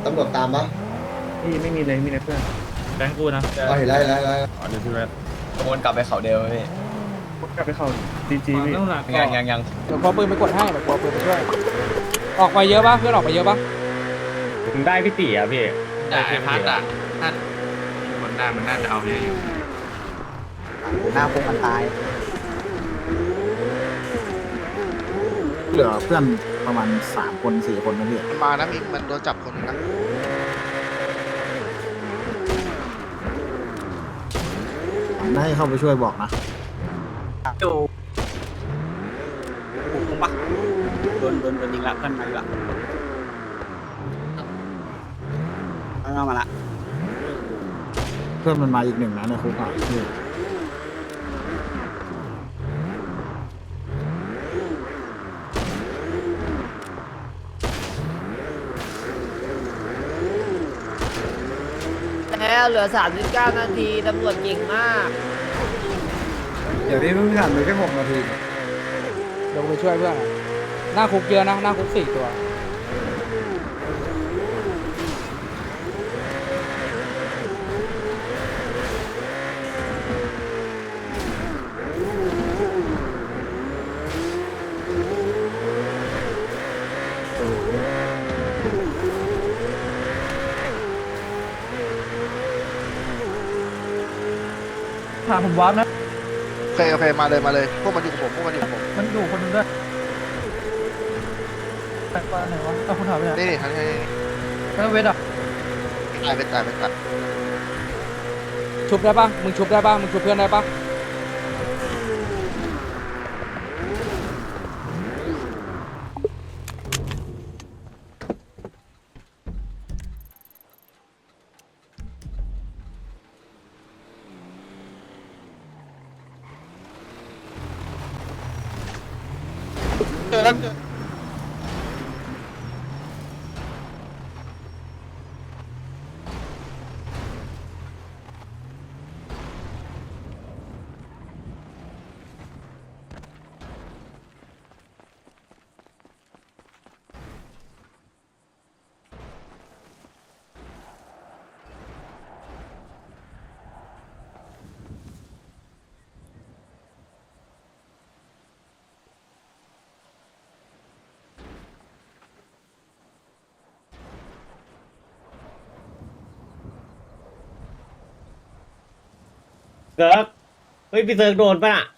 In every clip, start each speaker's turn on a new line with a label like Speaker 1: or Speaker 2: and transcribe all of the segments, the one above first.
Speaker 1: ำรวจตามปะ
Speaker 2: พี่ไม่มีเลยมีแต่เพื่อนแบงค์กูนะ
Speaker 1: อ๋อเห็นแล้ว
Speaker 3: อ๋อเดี๋ยวพี่เวท
Speaker 4: วนกลับไปเขาเดียวพี่
Speaker 2: กลับไปเข้าจีจีพี่
Speaker 4: ยัง
Speaker 5: เดี๋ยวพอปืนไปกดให้เดี๋ยวพอปืนไปช่วยออกไปเยอะปะเพื่อนออกไปเยอะปะ
Speaker 2: ผมได้พี่ตีอ่ะพี่
Speaker 3: แต่ไอ้พัดอ่ะถ้าคนได้มันน่าจะเอาเยอะอยู่
Speaker 5: หน้าพวกมันตาย
Speaker 6: เหลือเพื่อนประมาณ3 คน4 คนนะพี่
Speaker 7: มานะมีมันโดนจับคนนึงนะ
Speaker 6: ได้เข้าไปช่วยบอกนะ
Speaker 5: ดูบุกลงปะโดนยิงละเพื่อนมาอีกละเอามาละ
Speaker 6: เพื่อนมันมาอีก1นะในคุกอ่ะพี่
Speaker 8: แล้วเหลือ39 นาทีตำรวจเก่งมาก
Speaker 2: เดี๋ยวพี่เพิ่งผ่านไปแค่6 นาที
Speaker 5: เดี๋ยวไปช่วยเพื่อนอะหน้าคุกเยอะนะหน้าคุก4 ตัว
Speaker 2: ถามผมวาร์ปนะ
Speaker 7: โอเคมาเลยพวกมันอยู่กับผม
Speaker 2: มันอยู่คนนึงด้วยแต่ว่าไหนวะเอาคุณถามไปไหน
Speaker 7: นี่ทันที
Speaker 2: แล้วเวทอ่ะ
Speaker 7: ตายเป็นตาย
Speaker 5: ชุบได้ปะมึงชุบได้ปะมึงชุบเพื่อนได้ปะ
Speaker 7: เจอแล้ว
Speaker 8: เซิร์ฟเฮ้ยพี่เซิร์ฟโดนป่ะน่ะ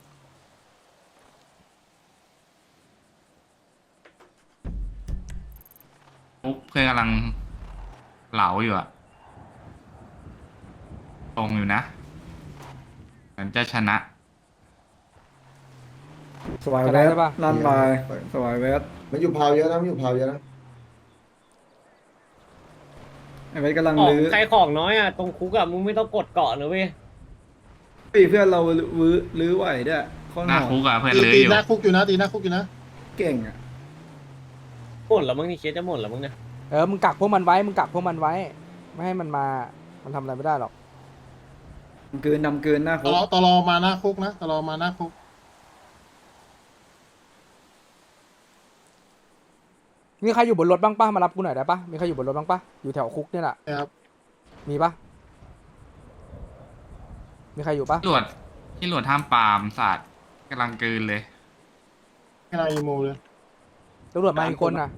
Speaker 3: เพื่อนกำลังเหลาอยู่อะตรงอยู่นะเหมือนจะชนะ
Speaker 2: สวายเวทลั่นไปสวายเวท
Speaker 1: มันอยู่พาวเยอะนะมันอยู่พาวเยอะนะ
Speaker 2: ไอ้เวทกำลัง
Speaker 8: ของ
Speaker 2: ลื้อ
Speaker 8: ใครของน้อยอ่ะตรงคุกอ่ะมึงไม่ต้องกดเกาะนะเว้ย
Speaker 2: เพื่อนเราลื้อไหวด้วยข้อ
Speaker 3: หน้าคุกอะเพื่อนลื้อ
Speaker 7: ตี
Speaker 3: อยู่
Speaker 7: หน้าคุกอยู่นะตีหน้าคุกอยู่นะ
Speaker 2: เก่งอ่ะ
Speaker 8: หมดแล้วมึงนี่เคสจะหมดแล้วมึงเนี่ย
Speaker 5: มึงกักพวกมันไว้มึงกักพวกมันไว้ไม่ให้มันมามันทำอะไรไม่ได้หรอก
Speaker 2: นำเกินหน้า
Speaker 7: ต
Speaker 2: คุก
Speaker 7: ลอมาหน้าคุกนะตลอมาหน้าคุก
Speaker 5: มีใครอยู่บนรถบ้างปะมารับกูหน่อยได้ปะมีใครอยู่บนรถบ้างปะอยู่แถวคุกเนี่ยแหละ
Speaker 7: นะครับ
Speaker 5: มีปะมีใครอยู่ปะ
Speaker 3: ที่หลวดห้ามปรามศาสตร์กำลังกลืนเลย
Speaker 7: กำลังอีโมเลย
Speaker 5: ตำรวจมาอีกคนน่ะ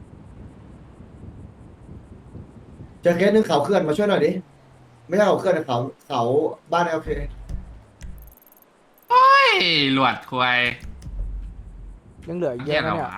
Speaker 1: เจอเคสนึงเขาเคลื่อนมาช่วยหน่อยดิไม่ใช่เขาเคลื่อนนะเขาบ้านโอเค
Speaker 3: เฮ้ยหลวดควาย
Speaker 5: ยังเหลืออีกเย
Speaker 3: เหี้ย
Speaker 5: อะ
Speaker 3: อะไร
Speaker 5: นะเนี่ย
Speaker 3: วะ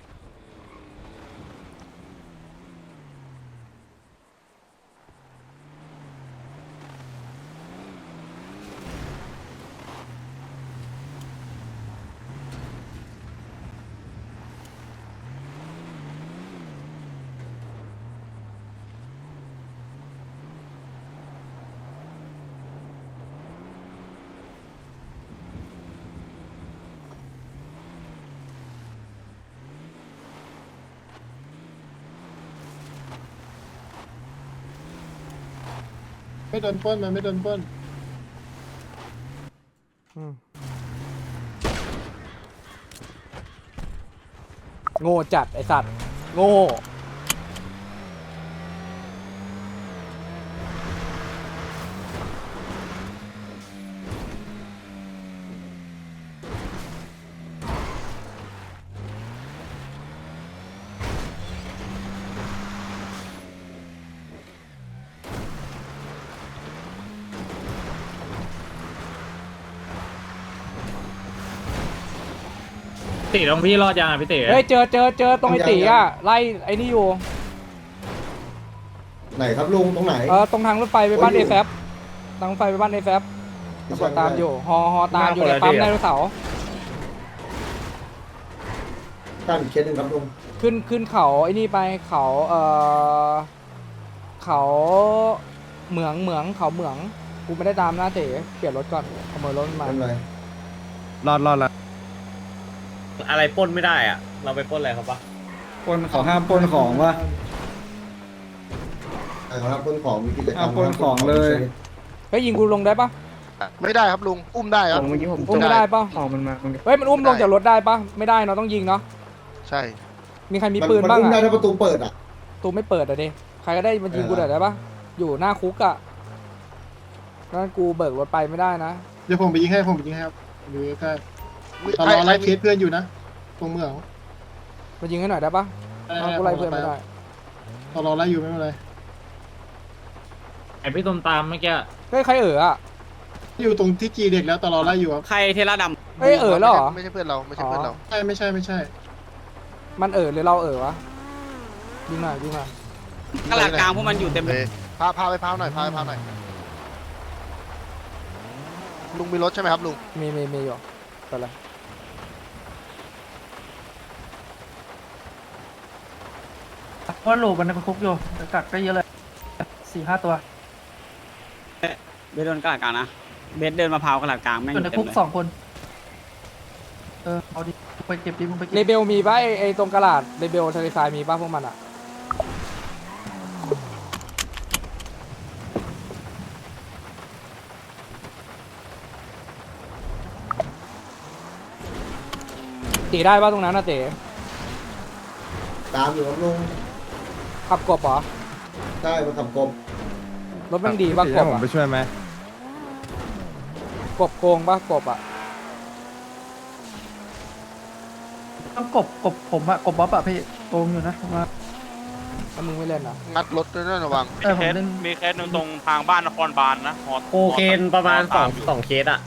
Speaker 7: ไม่โดนปล้นมันไม่โดนปล้น
Speaker 5: โง่จัดไอสัตว์โง่
Speaker 9: ติตรงพี่รอดยังอ่ะพี่ติ
Speaker 5: เฮ้ยเจอตรงไอ้ตีอ่ะไล่ไอ้นี่อยู่
Speaker 1: ไหนครับลุงตรงไหน
Speaker 5: ตรงทางรถไฟไปบ้าน
Speaker 1: โอ้
Speaker 5: เอย แฟบทางรถไฟไปบ้านเอแฟบตำรวจตามอยู่ฮอตามอยู่ในปั๊มไดโนเสาร์
Speaker 1: ตั้งอีกเคสหนึ่งครับลุง
Speaker 5: ขึ้นเขาไอ้นี่ไปเขาเขาเหมืองเขาเหมืองกูไม่ได้ตามหน้าเต๋เปลี่ยนรถก่อนขโมยรถมา
Speaker 1: เป็นไร
Speaker 2: รอดละ
Speaker 8: อะไรปล้นไม่ได้อ่ะ เราไปปล้นอะไรเขาปะ
Speaker 2: ปล้นเขาห้ามปล้นของวะ
Speaker 1: ใช่ครับปล้นของมีกิจกรรม
Speaker 2: ปล้นของเลย
Speaker 5: เฮ้ยยิงกูลงได้ปะ
Speaker 7: ไม่ได้ครับลุง อุ้มได้ครับ
Speaker 5: อุ้มไม่ได้ปะ
Speaker 2: ของมันมา
Speaker 5: เฮ้ยมันอุ้มลงจากรถได้ปะไม่ได้เนาะต้องยิงเนาะ
Speaker 7: ใช่
Speaker 5: มีใครมีปืนบ้าง
Speaker 1: มันอุ้มได้
Speaker 5: อะ
Speaker 1: ถ้าประตูเปิดอ่ะ
Speaker 5: ตูไม่เปิดอะดิใครก็ได้มันยิงกูหน่อยได้ปะอยู่หน้าคุกอะนั่นกูเบิกรถไปไม่ได้นะ
Speaker 7: เดี๋ยวผมไปยิงให้ครับอยู่ใกล้ตลอไล่เคสเพื่อนอยู่นะ ตรงเมือง
Speaker 5: มายิงให้หน่อยได้ปะกูไล่เพื่อนไม่ได้
Speaker 7: ตลอไล่อยู่ไม่เป็นไร
Speaker 9: ไอพี่ต้มตามเมื่อกี้
Speaker 5: เฮ้ยใครอะ
Speaker 7: อยู่ตรงที่จีเด็กแล้วตลอไล่อยู่ครับ
Speaker 8: ใครเทล่าด
Speaker 5: เฮ้ยแล้วเหรอ
Speaker 7: ไม่ใช่เพื่อนเราไม่ใช่เพื่อนเราไม่ใช่
Speaker 5: มันหรือเราวะยิงหน่อย
Speaker 8: ำกระหลักกลางพวกมันอยู่เต็มเลย
Speaker 7: พาไปพาวหน่อยลุงมีรถใช่ไหมครับลุง
Speaker 5: มีอยู่ไปเลย
Speaker 10: ว่าโหลมันในคุกอยู่กัดก็เยอะเลย4-5 ตัว
Speaker 8: เบสโดนกระหลักกลางนะ เบสเดินมาพาวกระหลักกลางแม่ง
Speaker 10: อยู่ใน
Speaker 8: เต็
Speaker 10: คุ
Speaker 8: ม
Speaker 10: ก
Speaker 8: เลย
Speaker 10: 2 คนเอาดิไปเก็บดิมึงไปเก็
Speaker 5: เล
Speaker 10: บ
Speaker 5: เบลมีป่ะไอตรงกระดาษเลเบลทะเลทรายมีป่ะพวกมันอะตีได้ป่ะตรงนั้นนะเต๋
Speaker 1: ตามอยู่ครับลุง
Speaker 5: ขับกบเหรอ
Speaker 1: ใช่มาขับกบ
Speaker 5: รถแม่งดีป่ะกบ
Speaker 2: ผม
Speaker 5: อะ
Speaker 2: ไปช่วยไหม
Speaker 5: กบโกงป่ะกบอะ
Speaker 10: ต้องกบผมอะกบบ๊อบอะพี่โกงอยู่นะผมว่า
Speaker 5: แล้วมึงไม่เล่นอะ
Speaker 7: งัดรถด้วยนะระวัง
Speaker 10: ผมเล่น
Speaker 3: มีเคสหนึ่งตรงทางบ้านนครบาลนะ
Speaker 8: โคเคนประมาณ2เคสอ่ะ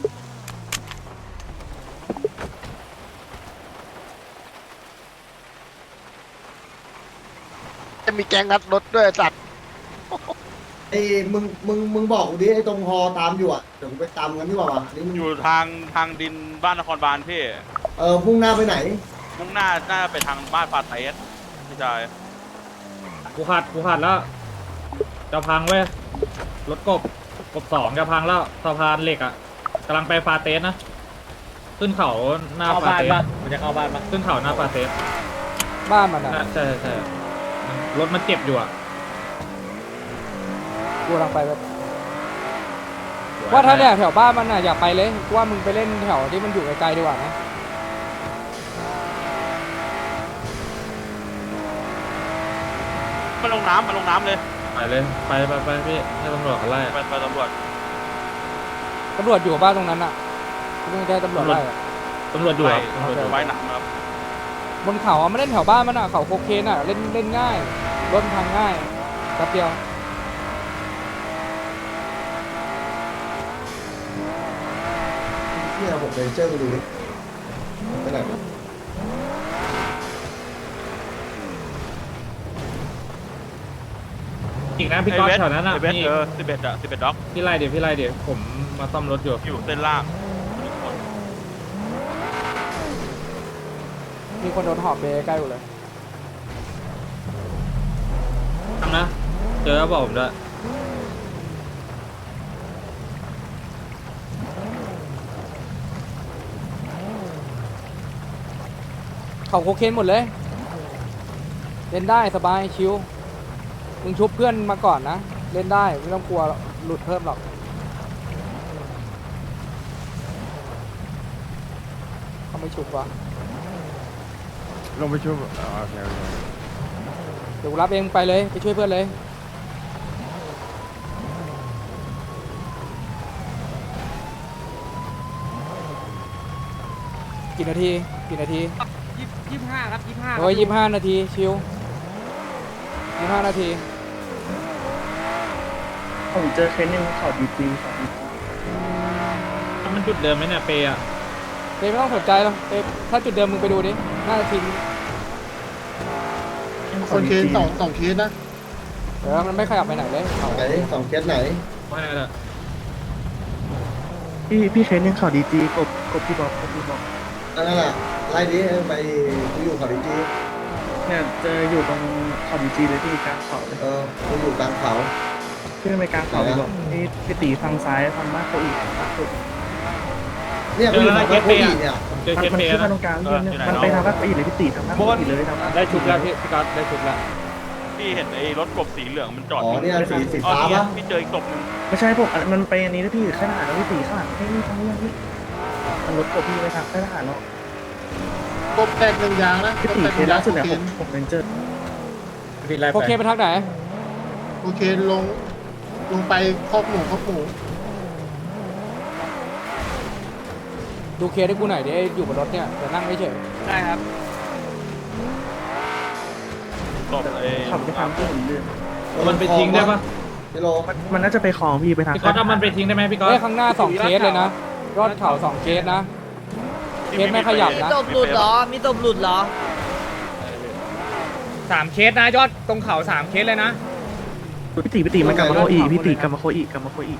Speaker 7: จะมีแกงงัดรถด้วยจัด
Speaker 1: ไอ้มึงบอกกูดิไอ้ตรงฮอตามอยู่อ่ะเดี๋ยวกูไปตามกันดีกว่าวะนี่มึง
Speaker 3: อยู่ทางดินบ้านนครบาลพี่
Speaker 1: พุ่งหน้าไปไหน
Speaker 3: มุ่งหน้าไปทางบ้านฟาเตสพี่ชาย
Speaker 9: กูขาดแล้วจะพังเว้ยรถกบ2จะพังแล้วสะพานเหล็กอ่ะกำลังไปฟาเตสนะขึ้นเขาหน้า
Speaker 8: เข้า
Speaker 9: ฟา
Speaker 8: บ้าน
Speaker 9: เตส
Speaker 8: ปะมันจะเข้าบ้านปะ
Speaker 9: ขึ้นเขาหน้าฟาเตส
Speaker 5: บ้านมันอะ
Speaker 9: ใช่รถมันเจ็บอยู่อ่ะ
Speaker 5: กูกำลังไปแบบว่าถ้าเนี่ยแถวบ้านมันอะอย่าไปเลยกูว่ามึงไปเล่นแถวที่มันอยู่ไกลๆดีกว่านะ
Speaker 3: มันลงน้ำเลย
Speaker 9: ไปเลยไปพี่ให้ตำรวจเขาไล่
Speaker 3: ไปตำรวจ
Speaker 5: ตำรวจอยู่บ้านตรงนั้นอะกูไม่ได้ตำรวจไล่อะ
Speaker 9: ตำรวจอยู่ครับ
Speaker 3: ไว้หนักครับ
Speaker 5: บนเขาอะไม่เล่นแถวบ้านมันอะเขาโคเคนอะเล่นง่ายรถมันพังง่ายแป๊บเดียว
Speaker 1: เนี่ยผมไปเจอดูดิไปไหนวะ
Speaker 9: อีกนะพี่ก๊อตแถวนั้นอ่ะ
Speaker 3: ไอเบส
Speaker 9: มี
Speaker 3: 11ด็อก
Speaker 9: พี่ไล่เดี๋ยวผมมาซ่อมรถอยู่
Speaker 3: อยู่เส้นล่าง
Speaker 5: มีคนโดนหอบเบใกล้กูเลย
Speaker 9: ทำนะเจอแล้วบอกผมด้วย
Speaker 5: เขาโคเคนหมดเลยเล่นได้สบายชิวมึงชุบเพื่อนมาก่อนนะเล่นได้ไม่ต้องกลัวหลุดเพิ่มหรอกเขาไม่ชุบวะ
Speaker 2: ลงไปช่วยโอเค
Speaker 5: เดี๋ยวกูรับเองไปเลยไปช่วยเพื่อนเลยกี่นาที25 ครับ 25โอ้ย25 นาทีชิว25 นาที
Speaker 10: ผมเจอเคสหนึ่งเขาดี
Speaker 9: มันจุดเดิมไหมเนี่ยเปย์อ่ะ
Speaker 5: เต้ไม่ต้องสนใจหรอกเต้ถ้าจุดเดิมมึงไปดูดิน่าจะทิ้ง
Speaker 7: คนเคสสองเคสนะ
Speaker 5: มันไม่ขยับไปไหนเลยเขา
Speaker 1: ไหนสองเคสไหน
Speaker 9: ไม่ได้เลย
Speaker 10: พี่เทรนนิ่งข่าวดีจีกบพี่บอก
Speaker 1: นั่นแหละไล่ดิไปกูอยู่เขาดีจี
Speaker 10: เนี่ยเจออยู่ตรงข่าวดีจีเลยที่กลางเขาเลย
Speaker 1: กูอยู่กลางเขา
Speaker 10: ขึ้นไปกลางเขาเลยบอกพี่ตีฟังซ้ายฟังมากเขาอีก
Speaker 1: เนี่ยกูอยู่ฝั่งบ้านโคอีเนี่ย
Speaker 9: เจอเคส
Speaker 10: มัน
Speaker 9: เปย์
Speaker 10: ขึ้น
Speaker 9: นะ
Speaker 10: มาตรงกลางมันไปทางภาคอีเลยพี่ตีทางภาคอีเลยทาง
Speaker 5: ได้ชุบแล้วพี่ก๊อตได้ชุบแล้ว
Speaker 11: พี่เห็นไอ้รถกบสีเหลืองมันจอด
Speaker 1: อ๋อเนี่ยสีฟ้า
Speaker 11: เนี่
Speaker 1: ปะ
Speaker 11: ยพี่เจออีกศพหนึง
Speaker 10: ไม่ใช่พวกมันไปอันนี้นะพี่ข้างหน้าแล้วพี่ตีข้างหลังนี่ทางนี้พี่มันรถกบพี่ไปทางข้างหน้าเนาะ
Speaker 7: กบแตกหนึ่งยางนะ
Speaker 10: พี่
Speaker 7: กบ
Speaker 10: ตี
Speaker 7: แตกห
Speaker 10: เค
Speaker 7: นึ่
Speaker 10: ส
Speaker 7: งยา
Speaker 10: ล่าง สุดเนี่ย
Speaker 7: โอเค
Speaker 10: ผมเรนเจอร์
Speaker 9: พี่ไล่
Speaker 5: โอเค
Speaker 9: ไป
Speaker 5: ไปทางไหน
Speaker 7: โอเคลงไปคอกหมู
Speaker 5: ดูเคสให้กูหน่อยดิอยู่บนรถเนี่ยเดี๋ยวนั่งไม่เฉย
Speaker 8: ได้ครับ
Speaker 11: ศพไอ้
Speaker 10: ขับไปทางที่ผมเลือน
Speaker 9: มันไปทิ้งได้ปะ
Speaker 1: กิโล
Speaker 10: มันน่าจะไปคลองพี่ไปทาง
Speaker 9: พี่ก๊อตเอามันไปทิ้งได้ไหมพี่ก๊อต
Speaker 5: เฮ้ยข้างหน้า2เคสเลยนะยอดเขา2เคสนะเคสไม่ขยับนะ
Speaker 11: ศพหลุดเหรอ
Speaker 8: มีตบหลุดเหรอ
Speaker 5: 3เคสนะยอดตรงเขา3เคสเลยนะ
Speaker 10: พี่ตีมันกลับมาโคอีพี่ตีกลับมาโคอี
Speaker 1: กลับมาโคอี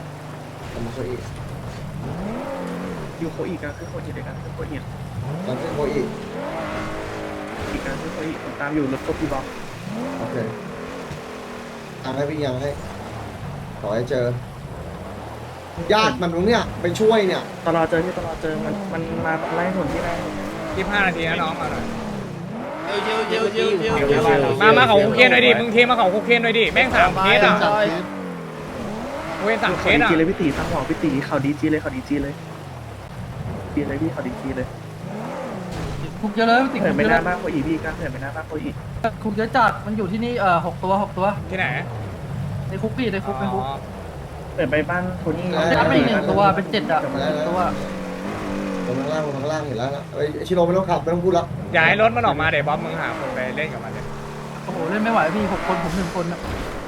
Speaker 10: อยู่โคอีกันคือโคอีเดียวกันคือโคอี
Speaker 1: ตอนขึ้นโคอี
Speaker 10: อีกกันคือโคอีผมตามอยู่รถกบพี่บอก
Speaker 1: โอเคทางให้พี่ยังให้ขอให้เจอญาติมันตรงเนี้ยไปช่วยเนี่ย
Speaker 10: ตลอดเจอมันมาไล่ผลที่ได้
Speaker 5: 25นาทีนะน้องมาหน่อย
Speaker 8: เจียว
Speaker 5: มาเขาโคเคนหน่อยดิมึงเทมาเขาโคเคนหน่อยดิแม่ง3เคสอ่ะ
Speaker 7: สามเคส
Speaker 5: เว้น3เค
Speaker 10: เขา
Speaker 5: ส
Speaker 10: ดี
Speaker 5: อ่ะ
Speaker 10: จีเลยพี่ตีฟังบอกพี่ตีเขาดีจีเลยเขาดีจีเลยดีเลยพี่เขาดีจีเลย
Speaker 2: คุกเยอะเลยติด
Speaker 10: เหิน
Speaker 2: คุก
Speaker 10: ไป
Speaker 2: เย
Speaker 10: ห
Speaker 2: อะ
Speaker 10: น้าบ้านโคอีพี่กันเหินไปหน้าบ้านโคอี
Speaker 2: คุกเยอะจัดมันอยู่ที่นี่6 ตัว
Speaker 5: ที่ไหน
Speaker 2: ในคุกพี่ในคุกในคุก
Speaker 10: เหินไปบ้านโทนี่
Speaker 2: ยัดไปอีก1 ตัวเป็น7 อ่ะตัว
Speaker 1: ลงข้างล่างเห็นแล้วนะไอ้ชิโร่ไม่ต้องขับไม่ต้องพูดแล้ว
Speaker 5: ย้ายรถมันออกมาเดี๋ยวบ๊อบมึงหาคนไปเล่นกับมันเลย
Speaker 2: โอ้โหเล่นไม่ไหวพี่6 คนผม1 คนอ่ะ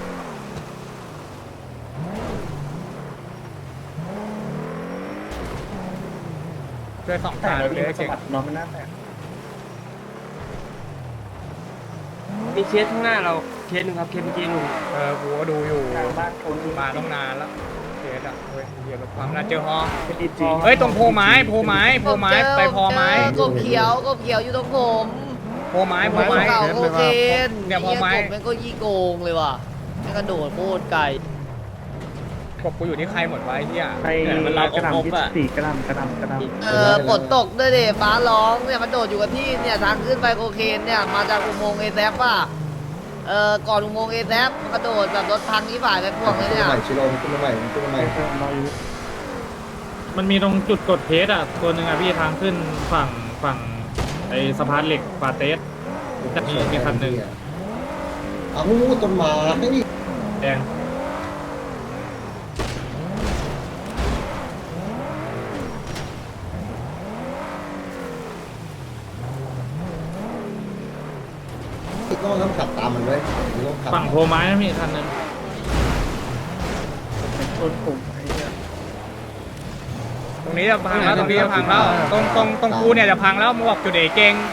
Speaker 5: ช่วย2
Speaker 10: แต่
Speaker 5: ตา
Speaker 10: เรา
Speaker 5: เล
Speaker 10: พี่
Speaker 5: ย
Speaker 10: มันสะ
Speaker 5: เก่ง
Speaker 10: บัดน้องมันหน้าแตก
Speaker 8: มีเคสข้างหน้าเราเคสหนึ่งครับเคสเมื่อกี้ลุง
Speaker 5: กูก็ดูอยู่
Speaker 10: ทางบ้านโทนี่
Speaker 5: มาต้องนานแล้วเคสอ่ะเฮ้ยเหี้ยรถความน่าเจอฮอ
Speaker 10: เป็นดีจี
Speaker 5: เฮ้ยตรงโพไม้ไปพอไม้
Speaker 1: กบเขียว
Speaker 8: อยู่ตรงผม
Speaker 5: โพไม้เนี่ยพอไม้
Speaker 8: มันก็ยี่โกงเลยว่ะมันกระโดดโคตรไกล
Speaker 5: กบกูอยู่ที่ใครหมดไว้เนี่ย
Speaker 10: ไปกระดำที่ตีกระดำ
Speaker 8: ฝนตกด้วยเดฟ้าร้องเนี่ยมันโดดอยู่กับที่เนี่ยทางขึ้นไปโคเคนเนี่ยมาจากอุโมงค์เอแซฟป่ะก่อนอุโมงค์เอแซฟมันกระโดดแบบรถพังที่ฝ่ายไปพวกเลยเนี่ย
Speaker 1: ใหม่ชิโร่ขึ้นมาใหม่
Speaker 9: มันมีตรงจุดกดเพสอ่ะตัวหนึ่งอ่ะพี่ทางขึ้นฝั่งไอ้สะพานเหล็กฟาเตสจะมีคันหนึ่ง
Speaker 1: เอาต้นไม้ให้ดิ
Speaker 9: แดง
Speaker 1: ต้องขับตามมันไว้ต้องขับ
Speaker 9: ฝั่งโพไม้นะพี่คันหนึ่ง
Speaker 10: ชนผมไอ้เนี่ย
Speaker 5: ตรงนี้จะพังแล้วตรงนี้จะพังแล้วตรงกูเนี่ยจะพังแล้วมึงบอกจุดเดเก่ง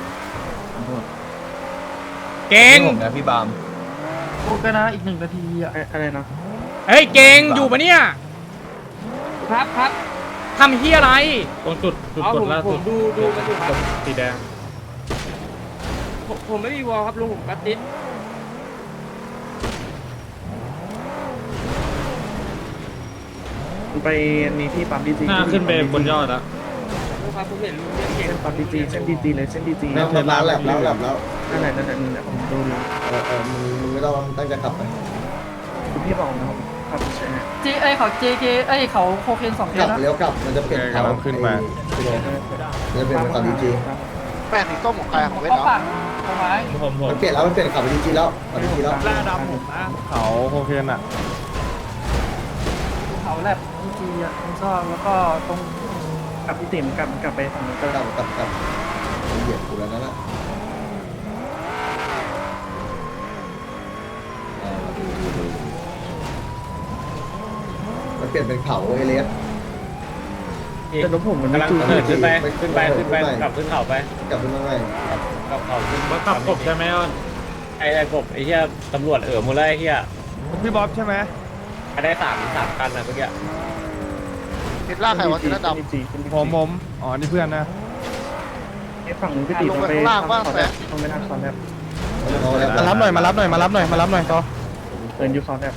Speaker 4: ผมนะพี่บาม
Speaker 2: คุกกันนะอีก1 นาทีอ่ะ
Speaker 10: อะไรนะ
Speaker 5: เฮ้ยเก่งอยู่ปะเนี่ย
Speaker 8: ครับ
Speaker 5: ทำเฮียอะไร
Speaker 9: ตรงจุดกดล่าสุด
Speaker 8: ดูกันอยู่ครับ
Speaker 9: สีแดง
Speaker 8: ผมไม่มีวอลครับลุงผมกัดติด
Speaker 10: ไปนี่พี่ปั๊มดีจี
Speaker 9: หน้าขึ้นไปบนยอดอะ
Speaker 8: ครับผมเห็นลุงเล่นเก่ง
Speaker 10: เส้นปั๊มดีจีเส้นดีจีเลยเส้นดีจี
Speaker 1: แล้วมาแลบแล้ว
Speaker 10: นั่นแหละผมดูอยู่
Speaker 1: มึงไม่ต้องตั้งใจขับไป
Speaker 10: คุณพี่บอกนะผมขับใช่ไหม
Speaker 2: เขา JK เขาโคเคน2 เค
Speaker 1: กลั
Speaker 2: ส
Speaker 1: บ
Speaker 2: นะ
Speaker 1: เลี้ยวกลับมันจะเปลี่ยนเขาขึ้นมาชิโร่จะเป็นขับดีจี
Speaker 7: แป้งสีส้มของใครของเวท
Speaker 2: เขา
Speaker 7: เนาะ
Speaker 2: ปั่นโคไม้
Speaker 9: ผม
Speaker 1: มันเปลี่ยนแล้วมันเปลี่ยนขับดีจีแล้วขับดีจีแล้ว
Speaker 11: เขาโคเคนอ่ะ
Speaker 2: เขาแลบจีอ่ะผมชอบแล้วก็ตรง
Speaker 10: กับพี่ติ๋มกลับไปฝั่งนู้นก็
Speaker 1: กลับเหยียบกูแล้วนั่นแหละมันเปลี่ยนเป็นเขาเอเลส
Speaker 10: แต่รถผมมันไม่
Speaker 9: กำลัง
Speaker 10: จูน
Speaker 9: เหินขึ้นไปกลับขึ้นเขาไป
Speaker 1: กลับขึ้นมาใหม่
Speaker 9: กลับเขาขึ้นว่าขับกบใช่ไหมอ้อนไอ้กบไอ้เหี้ยตำรวจหมดเลยไอ้เหี้ย
Speaker 11: พี่บ๊อบใช่ไหม
Speaker 9: ได้สามคันนะเมื่อกี้
Speaker 7: ติดล่าใครวะติดล่าด
Speaker 11: ผมอ๋อนี่เพื่อนนะ
Speaker 10: ไอ้ฝั่งนู้นพี่ตีต้องไปต้องไปทางคอนแทบ
Speaker 11: มารับหน่อยมารับหน่อยต่อ
Speaker 10: เดินยูคอนแทบ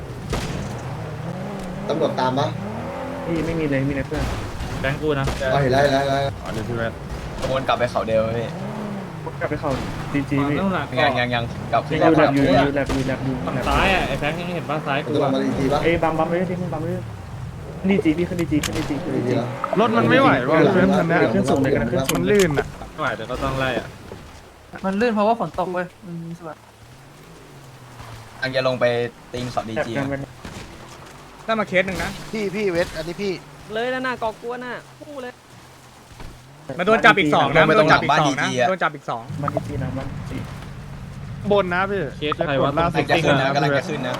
Speaker 1: ตำรวจตามปะ
Speaker 10: พี่ไม่มีเลยมีแต่เพื่อน
Speaker 9: แบงกูนะ
Speaker 1: เห็นแล้ว
Speaker 11: อ๋อนี่พี่แวด
Speaker 4: วนกลับไปเขาเดียวพี่
Speaker 10: กลับไปเข้าดีจีพี่
Speaker 9: ต้องหลัง
Speaker 4: ยังกลับ
Speaker 10: ยูแลบยูแลบ
Speaker 9: ฝั่งซ้ายอ่ะไอ้แบงค์ยังเห็นบ้านซ้าย
Speaker 1: มัน
Speaker 9: กู
Speaker 1: จะลง
Speaker 9: อ่ะ
Speaker 1: มาดีทีปะ
Speaker 10: เอ้บัมเลยที่มึงบัมเลยดีจีพี่ขึ้นดีจีขึ้นดีจีขึ้นดี
Speaker 1: ดี
Speaker 10: จี
Speaker 1: แล้ว
Speaker 11: รถมันไม่ไหวว่ะเพื่อนคันเนี้ย
Speaker 10: ขึ้นสูงเลยกันขึ้นสู
Speaker 11: มั
Speaker 10: ง
Speaker 11: นลื่นอ่ะ
Speaker 9: ไม่ไหวเดี๋ยวก็ต้องไล่อ่ะ
Speaker 10: มันลื่นเพราะว่าฝนตกเว้ยมันสบาย
Speaker 4: อังจะลงไปตีนเขาดีจี
Speaker 5: ได้มาเคสหนึ่งนะ
Speaker 7: พี่เวทอันนี้พี่
Speaker 8: เลยแล้วน่ากอกลัวน่ะคู่เลย
Speaker 5: มาโดนจับอีก 2นะโดนจับอีก 2นะโดนจับอีก
Speaker 10: มันดีจีนะมันดี
Speaker 11: บนนะพี่
Speaker 9: เคสใครวะ
Speaker 11: ล่าสุด
Speaker 4: จะขึ้นนะกำลังจะขึ้นนะ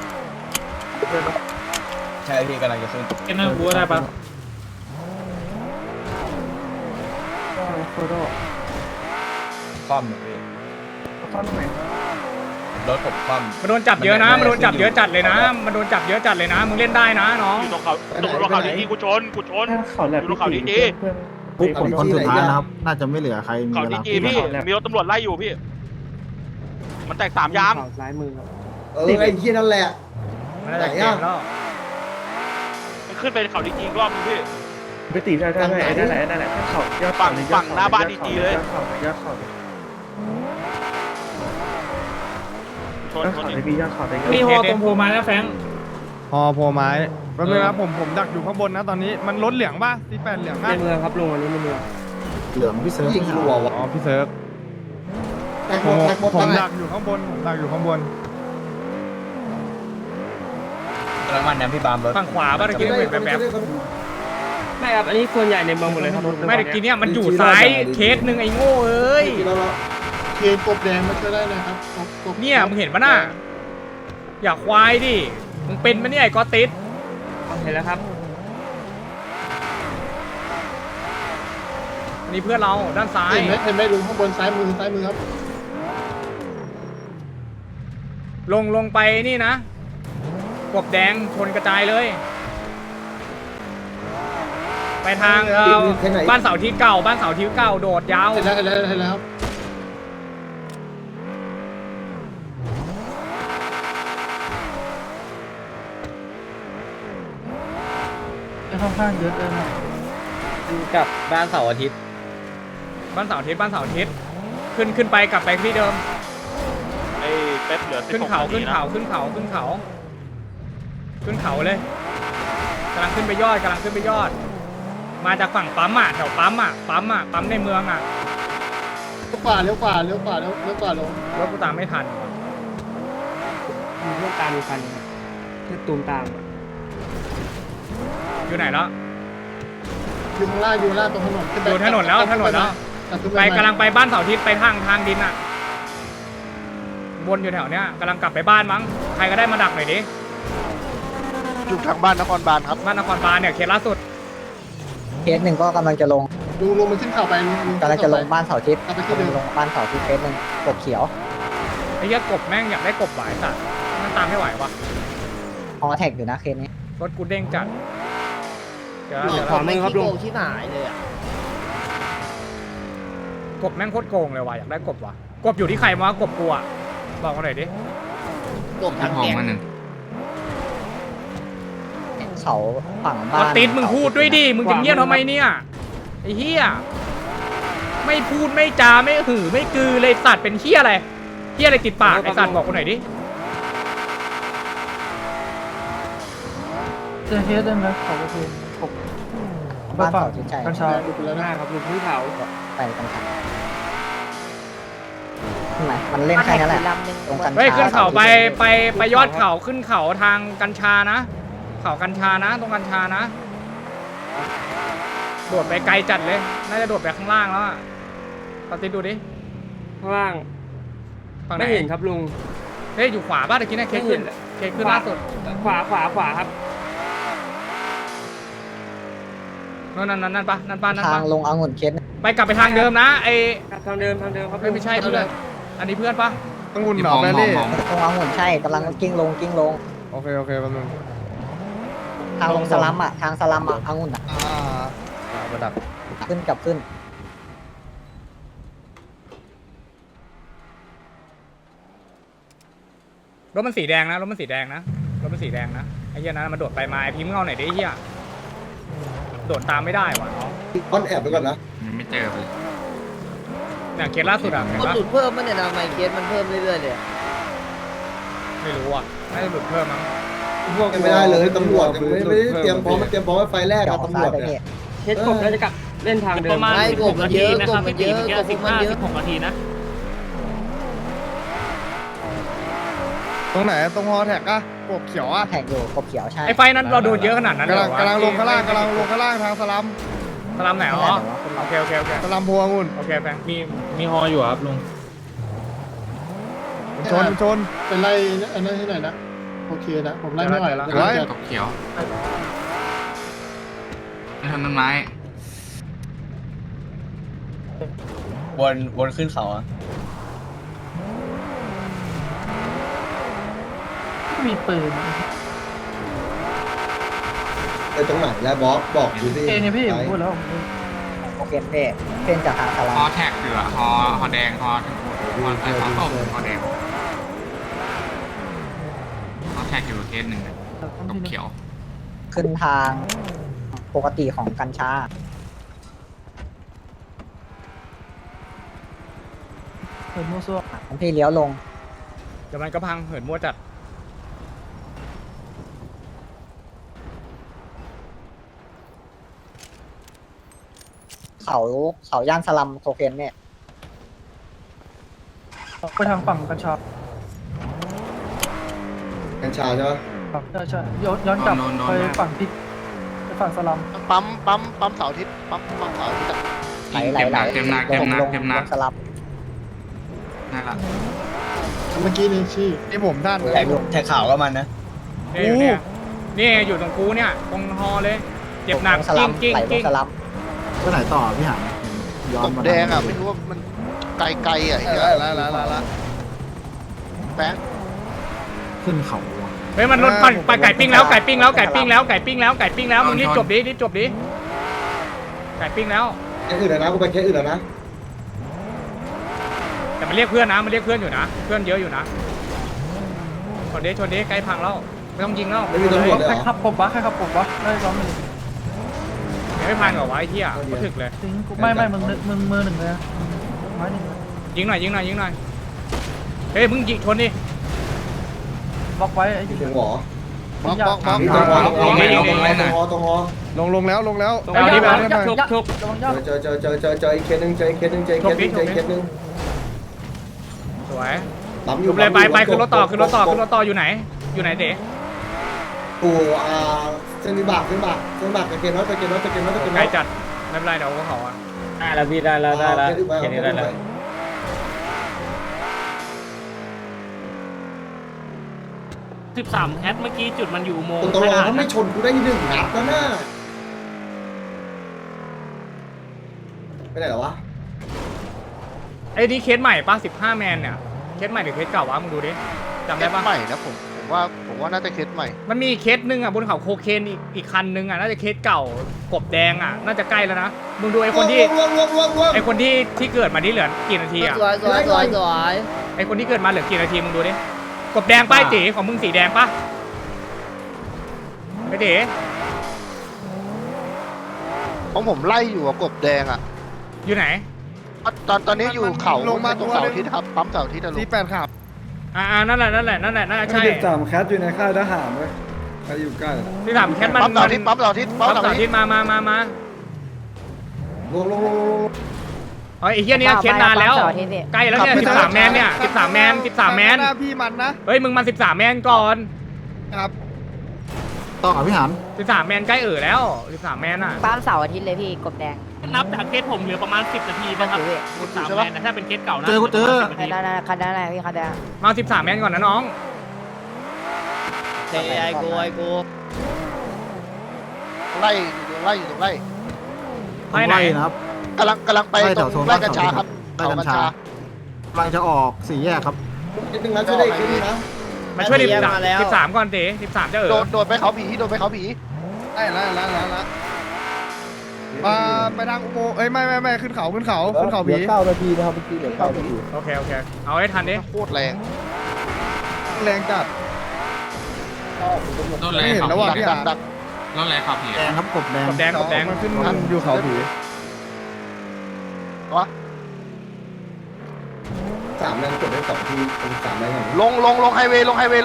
Speaker 4: ใช่พี่กำลังจะขึ้น
Speaker 9: เคสนั่งกูได้ปะ
Speaker 10: โคโด
Speaker 4: คว่ำพี่
Speaker 10: คอนไหน
Speaker 4: รถผมคว่ำ
Speaker 5: มาโดนจับเยอะนะมาโดนจับเยอะจัดเลยนะมาโดนจับเยอะจัดเลยนะมึงเล่นได้นะน้อง
Speaker 11: อยู่ตรงเขาดีๆกูชน
Speaker 10: เขาแลบพี่ตีเพื่อน
Speaker 6: ผมคนสุดท้ายนะครับ น่าจะไม่เหลือใครมี
Speaker 11: เขา
Speaker 6: เวลา
Speaker 11: ดีๆพี่มีรถตำรวจไล่อยู่พี่ มันแตก3ยาม
Speaker 10: ซ้ายมือ
Speaker 1: ไอ้ที่นั่นแหละ
Speaker 5: มันน่าจะเกมแล้ว
Speaker 11: มันขึ้นไปเขาดีๆอีกรอบนึงพี่
Speaker 10: ไปตีได้นั่นแหละเขายอดเขา
Speaker 11: ชน
Speaker 10: เขา
Speaker 11: ดิ
Speaker 10: ได้พี่ยอดเขาได้
Speaker 9: มีฮอตรงโพมาแล้วแฟง
Speaker 11: พอโพไม้แป๊บนึงนะผมดักอยู่ข้างบนนะตอนนี้มันรถเหลืองป่ะ48เหลืองป่ะ
Speaker 10: ในเมืองครับลุงอันนี้ในเมือง
Speaker 6: เหลืองพี่เซิร์ฟ
Speaker 1: ยิงรัววะ
Speaker 11: อ๋อพี่เซิร์ฟ
Speaker 1: แตกหมด
Speaker 11: ผมดักอยู่ข้างบน
Speaker 4: กำลังมันนะพี่บามรถ
Speaker 5: ฝั่งขวาบ้านตะกี้เห็นแบบ
Speaker 10: ไม่ครับอันนี้ส่วนใหญ่ในเมืองหมดเลยครับ
Speaker 5: ไม่ตะกี้เนี่ยมันอยู่ซ้ายเคสหนึ่งไอ้โง่เอ้ย
Speaker 7: เคนกบแดงมาช่วยได้นะครับกบ
Speaker 5: เนี่ยมึงเห็นปะน่ะอย่าควายดิมึงเป็นปะเนี่ยไอ้กอติส
Speaker 10: เห็นแล้วครับ
Speaker 5: นี่เพื่อนเราด้านซ้าย
Speaker 7: เห็นไหมลุงข้างบนซ้ายมือครับ
Speaker 5: ลงไปนี่นะกบแดงชนกระจายเลย ไปทางบ้านเสาที่เก่าโดดยาว
Speaker 7: เห็นแล้วครับ
Speaker 10: ค่อนข้างเยอะเลยนะ
Speaker 9: กับบ้านเสาร์อาทิตย์
Speaker 5: บ้านเสาร์อาทิตย์ขึ้นไปกลับไปที่เดิม
Speaker 11: ไอ้เป๊ปเหลือ
Speaker 5: ขึ้นเขาเลยกำลังขึ้นไปยอดมาจากฝั่งปั๊มอ่ะแถวปั๊มในเมืองอ่ะ
Speaker 7: เลี้ยวขวาลง
Speaker 5: รถกูตามไม่ทัน
Speaker 10: มีพวกตามมีคันคือตูมตาม
Speaker 5: อยู่ไหนแล้ว
Speaker 7: อยู่ข้างล่างตรงถนนขึ้นไป
Speaker 5: อยู่ถนนแล้วไปกำลังไปบ้านเสาร์อาทิตย์ไปทางดินอ่ะวนอยู่แถวเนี้ยกำลังกลับไปบ้านมั้งใครก็ได้มาดักหน่อยดิ
Speaker 7: อยู่ทางบ้านนครบาลครับ
Speaker 5: บ้านนครบาลเนี่ยเคสล่าสุด
Speaker 10: เคสหนึ่งก็กำลังจะลง
Speaker 7: ลุงมันขึ้นเข่าไป
Speaker 10: กำลังจะลงบ้านเสาทิศ
Speaker 7: กลับไปที่เดิม
Speaker 10: ลงบ้านเสาทิศเคสหนึ่งกบเขียว
Speaker 5: ไอ้เหี้ยกบแม่งอยากได้กบหวายสัตว์มันตามไม่ไหววะ
Speaker 10: ฮอแท็กอยู่นะเคสนี้
Speaker 5: รถกูเด้งจัดเดี๋ยว
Speaker 8: ขอไม่คิดโกงที่หายเลยอ่ะ
Speaker 5: กบแม่งโคตรโกงเลยว่ะอยากได้กบว่ะกบอยู่ที่ใครวะกบกูอ่ะบอกมาหน่อยดิ
Speaker 8: กบทั้งแก๊ง
Speaker 10: เขาฝั่ง
Speaker 5: พ
Speaker 10: บ้า
Speaker 5: อน ติดมึงพูดด้วยดิมึงจะเงียบทำไมเนี่ยไอ้เหี้ยไม่พูดไม่จาไม่หือไม่กือเลยสัตว์เป็นเหี้ยอะไรติดปากไอ้สัตว์บอกกูหน่อยดิ
Speaker 10: เจอเคสได้ไหมเขาก็คือบ้านเสาทิศใจกัญชาดูแล้วนะครับลุงพื้นเขาไปกัญชามันเล่นแค่นั้นแหละตรงกัญชา
Speaker 5: เฮ้ยขึ้นเขาไปยอดเขาขึ้นเขาทางกัญชานะเขากัญชานะตรงกัญชานะโดดไปไกลจัดเลยน่าจะโดดไปข้างล่างแล้วอ่ะปฏิดูดิ
Speaker 10: ข้างล่าง
Speaker 5: ฝั่งไหน
Speaker 10: ไม่เห็นครับลุง
Speaker 5: เฮ้ยอยู่ขวาบ้านตะกี้นะเคขึ้นล่าสุด
Speaker 10: ขวาครับ
Speaker 5: นั่นปะ
Speaker 10: ทางลงองุ่นเคส
Speaker 5: ไปกลับไปทางเดิมนะไอ
Speaker 9: ทางเดิมครับ
Speaker 5: ไม่ใช่เพื่อนอันนี้เพื่อนปะ
Speaker 11: ต้องงุ่นหนอแบลลี่
Speaker 10: ตรงองุ่นใช่กำลังกิ้งลง
Speaker 11: โอเคแป๊บนึง
Speaker 10: ทางลงสลัมอ่ะทางสลัมอ่ะองุ่นอ่ะ
Speaker 11: ระดับ
Speaker 10: ขึ้นกลับขึ้น
Speaker 5: รถมันสีแดงนะไอ้เหี้ยนั้นมันโดดไปมาไอ้พิมพ์เงาไหนอยดิไอ้เหี้ยโดดตามไม่ได้ว่ะน้อง
Speaker 1: ก้อนแอบไปก่อนนะ
Speaker 3: ยังไม่เจอเลย
Speaker 5: เนี่ยเคสล่าสุดอะเห็น
Speaker 8: มัน
Speaker 5: ปะ
Speaker 8: หลุดเพิ่มมันเนี่ยทำไมเคสมันเพิ่มเรื่อยๆเลย
Speaker 5: ไม่รู้อ่ะน่าจะหลุดเพิ่มมั้ง
Speaker 1: ไม่ได้เลยตำรวจยังไม่ได้เตรียมพร้อมมันเตรียมพร้อมไว้ไฟแรก
Speaker 10: เดี๋ย
Speaker 1: อะ
Speaker 10: ว
Speaker 1: ตำรวจ
Speaker 10: ไป
Speaker 1: เนี่ย
Speaker 10: พี่
Speaker 9: เคสกบน่าจะกลับเล่นทางเดิม
Speaker 8: ประมาณกบมันเยอะกบมันเยอะกบมันเยอะ
Speaker 9: 16 นาทีนะ
Speaker 11: ตรงไหนตรงฮอแท็กอะกบเขียวอะ
Speaker 10: แข่งอยู่กบเขียวใช่
Speaker 5: ไอ้ไฟนั้นเราโดนเยอะขนาดนั้นเลยเหรอวะ
Speaker 11: กำลังลงข้างล่างทางสลัม
Speaker 5: สลัมไหนอ๋อโอเค
Speaker 11: สลัมพวงุ่น
Speaker 5: โอเคแฟง
Speaker 9: มีฮออยู่ครับลุง
Speaker 11: ชน
Speaker 7: เป็นไล่อันนั้นที่ไหนนะโอเคนะผมไล่ไม่ไหวแล้ว
Speaker 11: ไว้
Speaker 3: ตกเขียวไม่ทำต้นไม้
Speaker 4: วนขึ้นเขาอะ
Speaker 10: มีปืน
Speaker 1: ไปตรงไหนแล้วบอกอยู่ที่ไหน
Speaker 10: โอเคเพ่นจากทางสลั
Speaker 3: ฮ
Speaker 10: ม
Speaker 3: อแท็กเหลือฮอแดงฮอส้มฮอแดงฮอแท็กอยู่เคสหนึ่งตกเขียว
Speaker 10: ขึ้นทางปกติของกัญชาของพี่เลี้ยวลง
Speaker 5: เดี๋ยวมันก็พังเหินมั่วจัด
Speaker 10: เขาย่านสลัมโคเคนเนี่ย ไปทางฝั่งกัญชา
Speaker 1: กัญชาใช่ไหม
Speaker 10: ใช่ย้อนกลับไปฝั่งที่ไปฝั่งสลัม
Speaker 7: ปั๊มเสาร์อาทิตย์ปั๊มเสาร์อาทิตย์
Speaker 3: เต็มหนัก
Speaker 10: ลงสลัม
Speaker 3: นั่นแหละ
Speaker 7: เมื่อกี้นี่ชี้
Speaker 11: ที่ผมท่าน
Speaker 4: แท็กข่าวก็มันนะ
Speaker 5: นี่อยู่ตรงกูเนี่ยตรงฮอเลยเจ็บหนัก
Speaker 10: สลัม
Speaker 5: กิ้ง
Speaker 10: ไหลลงสลัม
Speaker 6: ไปไหนต่อพี่หางย้อนมา
Speaker 7: แดงอ่ะไม่รู้ว่ามันไกลอ่ะ
Speaker 11: ละ
Speaker 7: แบง
Speaker 6: ขึ้นเขาอะ
Speaker 5: เฮ้ยมันรถไปไก่ปิ้งแล้วมึงรีบจบดิไก่ปิ้งแล้ว
Speaker 1: แค่อื่นแล้วนะกูไปแค่อื่นแล้วนะ
Speaker 5: แต่มันเรียกเพื่อนนะมันเรียกเพื่อนอยู่นะเพื่อนเยอะอยู่นะชนดิใกล้พังแล้วไม่ต้องยิงแล้ว
Speaker 1: ไม่มีตำรวจเลยเหรอ
Speaker 10: ใครขับผมวะได้ล้อมหนึ่ง
Speaker 5: ไม่พังเหรอวะไอ้เหี้ยก็ถึกเลย
Speaker 10: ไม่มึงมือหนึ่งเลยไม้หนึ่ง
Speaker 5: ยิงหน่อยเฮ้ยมึงยิงชนดิ
Speaker 10: บล็อกไว้ไอ้
Speaker 1: ถึงหรอ
Speaker 7: บล็อก
Speaker 1: ตรงฮอตรงฮอ
Speaker 11: ลงแล้ว
Speaker 5: เอาดิแบบ
Speaker 10: ชุบระวังยอด
Speaker 1: เจออีกเคสหนึ่งอีกเคสหนึ่ง
Speaker 5: สวย
Speaker 1: ปั๊มอ
Speaker 5: จ
Speaker 1: ยู่
Speaker 5: บเลยไปขึ้นรถต่ออยู่ไหนเด๋
Speaker 1: กูเส้นวิบากไปเกณฑ์น้อย
Speaker 5: ไกลจัดไม่เป็นไรเดี๋ยวเขาอ่ะ
Speaker 9: ได้แล้วพี่ได้แล้วแค่นี้ได้แล้ว
Speaker 5: 13แอดเมื่อกี้จุดมันอยู่อุโมงค์
Speaker 1: ตลอดเขาไม่ชนกูได้1 นัดแล้วนะไปไหนหรอวะ
Speaker 5: ไอ้นี่เคสใหม่ป่ะ15แมนเนี่ยเคสใหม่หรือเคสเก่าวะมึงดูดิจำได้ป่ะ
Speaker 7: ใหม่นะผมว่าน่าจะเคสใหม่
Speaker 5: มันมีเคสนึงอ่ะบนเขาโคเคนอีกคันนึงอ่ะน่าจะเคสเก่ากบแดงอ่ะน่าจะใกล้แล้วนะมึงดูไอ้คนที่เกิดมาที่เหลือกี่นาทีอ่ะ
Speaker 8: สวย
Speaker 5: ไอ้คนที่เกิดมาเหลือกี่นาทีมึงดูดิกบแดงป้ายตีของมึงสีแดงป่ะไอ้เด๋
Speaker 7: ของผมไล่อยู่กับกบแดงอ่ะ
Speaker 5: อยู่ไหน
Speaker 7: ตอนนี้อยู่เขา
Speaker 11: ลงมา
Speaker 7: ตรงเสาร์อาทิตย์ครับปั๊มเสาร์อาทิตย์นะลุง
Speaker 11: 48ขับ
Speaker 5: นั่นแหละน่าจะใช่
Speaker 2: 13แคทอยู่ในค่ายทหารเว้ยใครอยู่ใกล้
Speaker 5: ที่ถามแคทมัน
Speaker 7: ปั๊มเสาร์อาทิตย์ปั๊มเสาร์อาทิตย์ปั๊ม
Speaker 5: ปั๊ม
Speaker 7: เสาร์
Speaker 5: เสา
Speaker 7: อา
Speaker 5: ร์
Speaker 7: ทิ
Speaker 5: ที่
Speaker 7: ตย์
Speaker 1: ลง
Speaker 5: ไอ้เหี้ยเนี่ยเคสนานแล้วใกล้แล้วเนี่ย13แมนเนี่ย13แมน
Speaker 11: พี่มันนะ
Speaker 5: เฮ้ยมึงมา13แมนก่อน
Speaker 11: ครับ
Speaker 6: ต่อพี่หาง
Speaker 5: 13แมนใกล้แล้ว13แมนอ่ะ
Speaker 10: ปั๊มเสาร์อาทิตย์เลยพี่กบแดง
Speaker 5: นับจากเคสผมเหลือประมาณ10นาทีนะครับ13แมนถ้าเป็นเคสเก่านะ
Speaker 6: เจอ
Speaker 10: คันนั้นคันนั้นพี่คันนั้น
Speaker 5: มา13แมนก่อนนะน้อง
Speaker 8: ไอ้กู
Speaker 7: ไล่อยู่ตรงไล่
Speaker 9: ไปไหน
Speaker 6: ไล่นะครับ
Speaker 7: กำลังไป
Speaker 6: ไล่
Speaker 7: ต
Speaker 6: แถ
Speaker 7: ร
Speaker 6: ว
Speaker 7: ง
Speaker 6: โซน
Speaker 7: ไร่กัญชาครับ
Speaker 6: ไล่กัญชา กำลังจะออกสี่แยกครับ
Speaker 1: นิดนึงนะช่วยได้อีกนิดนึงนะ
Speaker 9: มาช่วย
Speaker 8: มาแล้ว
Speaker 9: 13ก่อนตี13จะเออ
Speaker 7: โดนไปเขาผีโดนไปเขาผี
Speaker 11: ได้แล้วไปทางอุโมงค์ไม่ขึ้นเขาผี
Speaker 10: 9 นาทีนะครับเมื่อกี้เหลือ9 นาที
Speaker 9: โอเคเอาให้ทันดิ
Speaker 7: โคตรแรง
Speaker 11: แรงจัด
Speaker 3: รถแร
Speaker 11: ไม่
Speaker 3: ง
Speaker 11: เห็น
Speaker 3: ขับ
Speaker 11: แล้วว่ะ
Speaker 3: ผี
Speaker 11: พี่
Speaker 7: ดั
Speaker 11: อ่ะ
Speaker 7: กดัก
Speaker 3: รถแรงขับผี
Speaker 6: แดงครับกบแดง
Speaker 9: กบแดง
Speaker 11: มันขึ้นอยู่เขาผี
Speaker 1: 3แรงกดได้2ทีเป็น3แรงก่อน
Speaker 7: ลงไฮเวย์ลงไฮเวย์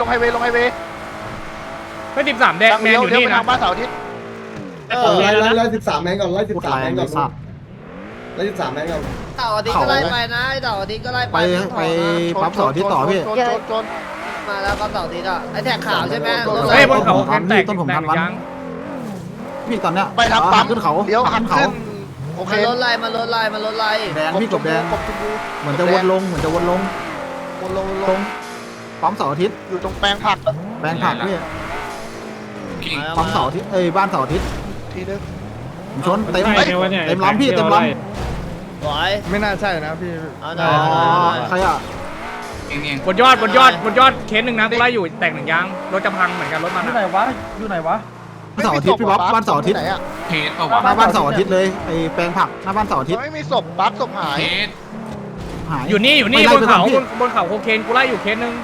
Speaker 9: เฮ้ย13แดงแมนอยู่นี่
Speaker 7: ไป
Speaker 9: นะ
Speaker 7: ทางบ้านเสาร์อาทิตย์
Speaker 1: ไล่13แรงก่อนไล่
Speaker 6: พูด
Speaker 1: 13
Speaker 6: แร
Speaker 1: แรง ง
Speaker 6: เล
Speaker 1: ก่อย น
Speaker 6: สับ
Speaker 1: ไล่13แรงก่อน
Speaker 8: เต่าอาทิตย์ก็ไล่ไปนะเต่าอาทิตย์ก็ไล่
Speaker 6: ไปปั๊มเสาร์อาที่ต่อพี่
Speaker 7: ชน
Speaker 8: มาแล้วก็เต่าอาทิตย์อ่ะไอแท็กขาวใช่ไหม
Speaker 9: เฮ้ยบนเขาแคนแตก
Speaker 6: ต้นผม
Speaker 9: แต
Speaker 6: ทั
Speaker 9: ก
Speaker 6: นวัน
Speaker 9: ยัง
Speaker 6: พี่ตอนเนี้ย
Speaker 7: ไปทางปั๊ม
Speaker 6: ขึ้นเขา
Speaker 7: เลี้ยวหัน
Speaker 6: เขา
Speaker 7: ขึ้นโอเค
Speaker 8: มันรถไล่มันรถไล่
Speaker 6: แดงพี่กบแดง
Speaker 7: กบชมพู
Speaker 6: เหมือนจะวนลงตรงปั๊มเสาร์อาทิตย์
Speaker 7: อยู่ตรงแปลงผัก
Speaker 6: แปลงผักพี่
Speaker 3: กิ่ง
Speaker 6: ปั๊มเสาร์อาทิตย์บ้านเสาร์อาทิตย์
Speaker 7: ทีนึง
Speaker 6: ผมชนเต็ม
Speaker 9: ใช่วะเนี่ย
Speaker 6: เต็มล้อมพี่เต็มล้อม
Speaker 8: สวย
Speaker 11: ไม่น่าใช่นะพี่
Speaker 8: เอาห
Speaker 6: อ๋
Speaker 8: น่
Speaker 6: อ
Speaker 8: อย
Speaker 6: ใครอ่ะ
Speaker 3: เอง
Speaker 9: บนยอดเคสหนึ่งนะกูไล่อยู่แตก1ยางรถจะพังเหมือนกันรถมัน
Speaker 10: อยู่ไหน
Speaker 9: อะ
Speaker 10: วะอยู่ไหนวะ
Speaker 6: เสาร์อาทิตย์พี่บ๊อบบ้านเสาร์อาทิตย์
Speaker 7: ไหนอ่ะ
Speaker 3: เพจเอา
Speaker 6: หน้าว
Speaker 3: ะ
Speaker 6: บ้านเสาร์อาทิตย์เลยไอ้แปลงผักหน้าบ้านเสาร์อาทิตย์
Speaker 7: ไม่มีศพบัสศพหาย
Speaker 3: เพจ
Speaker 6: หาย
Speaker 9: อยู่นี่
Speaker 6: ไม่ไล่
Speaker 9: บนเขา
Speaker 6: ไปก่อนพี่
Speaker 9: บนเขาโคเคนกูไล่อยู่เคสหนึ่ง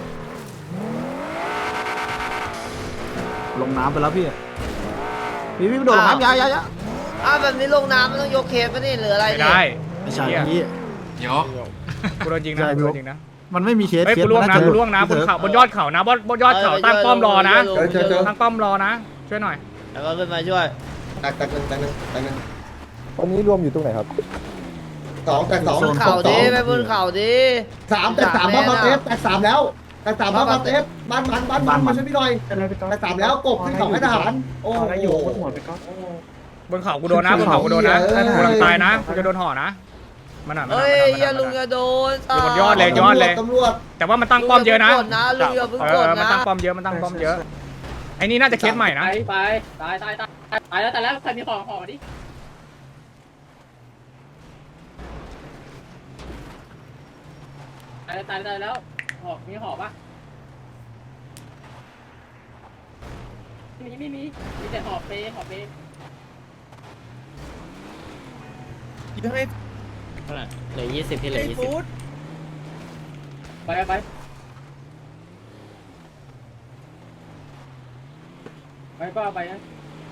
Speaker 6: ลงน้ำไปแล้วพี่พี่โดดลงน้ำยาย
Speaker 8: แบบนี้ลงน้ำมันต้องยกเคสป่ะนี่หรืออะไร
Speaker 9: ไม่
Speaker 8: นี่
Speaker 9: ได้
Speaker 6: ไม่ใช่พี่
Speaker 3: ยก
Speaker 9: กูโดนจริงนะกูโดนจริงนะ
Speaker 6: มันไม่มีเคส
Speaker 9: เฮ้ย
Speaker 6: เคส
Speaker 9: กูล่วงนะ
Speaker 6: มั
Speaker 9: กูล่วงนะบนเขาบนยอดเขานะบนยอดเขาตั้งป้อมรอนะ
Speaker 1: เจอ
Speaker 9: ตั้งป้อมรอนะช่วยหน่อย
Speaker 8: แล้วก็ขึ้นมาช่วย
Speaker 1: แตกหนึ่ง
Speaker 10: ตอนนี้รวมอยู่ตรงไหนครับ
Speaker 1: 2แตก2
Speaker 8: บนเขาดิไปบนเขาดิ
Speaker 1: 3แตก3บ้านมาเทปแตก3แล้วแตก3บ้านมาเทปบ้านมันมาช่วยพี่หน่อยแตก3แล้วกบขึ้นเขาให้ทหารโอ้โห
Speaker 9: บนเขากูโดนนะบนเขากูโดนนะ
Speaker 1: เฮ้ย
Speaker 9: กูกำลังตายนะกูจะโดนห่อนะมันหน่อย
Speaker 8: เฮ้ยอย่าลุงอย่าโดน
Speaker 9: อยู่บนยอดเลยยอดเลย
Speaker 1: ตำรวจ
Speaker 9: แต่ว่ามันตั้งป้อมเยอะนะ
Speaker 8: ลุงอย่าเพิ่งกด
Speaker 9: มัน
Speaker 8: นะ
Speaker 9: ตั้งป้อมเยอะมันตั้งป้อมเยอะไอ้นี่น่าจะเคสใหม่นะ
Speaker 10: ไปตายแล้วแต่แล้วใครมีของห่อดิตายแล้วห่อมีห่อปะไม่มีแต่ห่อเปห่อเป
Speaker 8: เหลือ20ที่เหลือ20
Speaker 10: ไปก็เอาไปนะ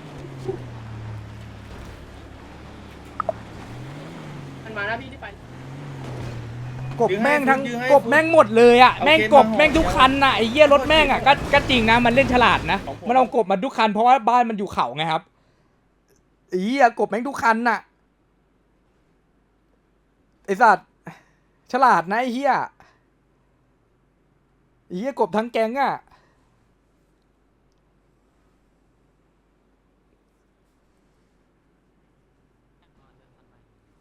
Speaker 10: มันมาแล้วพี่ที่ไป
Speaker 5: กบแม่งทั้งกบแม่งหมดเลยอ่ะแม่งกบแม่งทุกคันน่ะไอ้เหี้ยรถแม่งอ่ะก็จริงนะมันเล่นฉลาดนะมันเอากบมาทุกคันเพราะว่าบ้านมันอยู่เขาไงครับไอ้เหี้ยกบแม่งทุกคันน่ะไอ้สัตว์ฉลาดนะไอ้เหี้ยกบทั้งแก๊งอ่ะ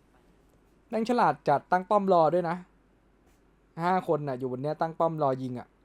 Speaker 5: แม่งฉลาดจัดตั้งป้อมรอด้วยนะ5 คนน่ะอยู่บนเนี้ยตั้งป้อมรอยิงอ่ะ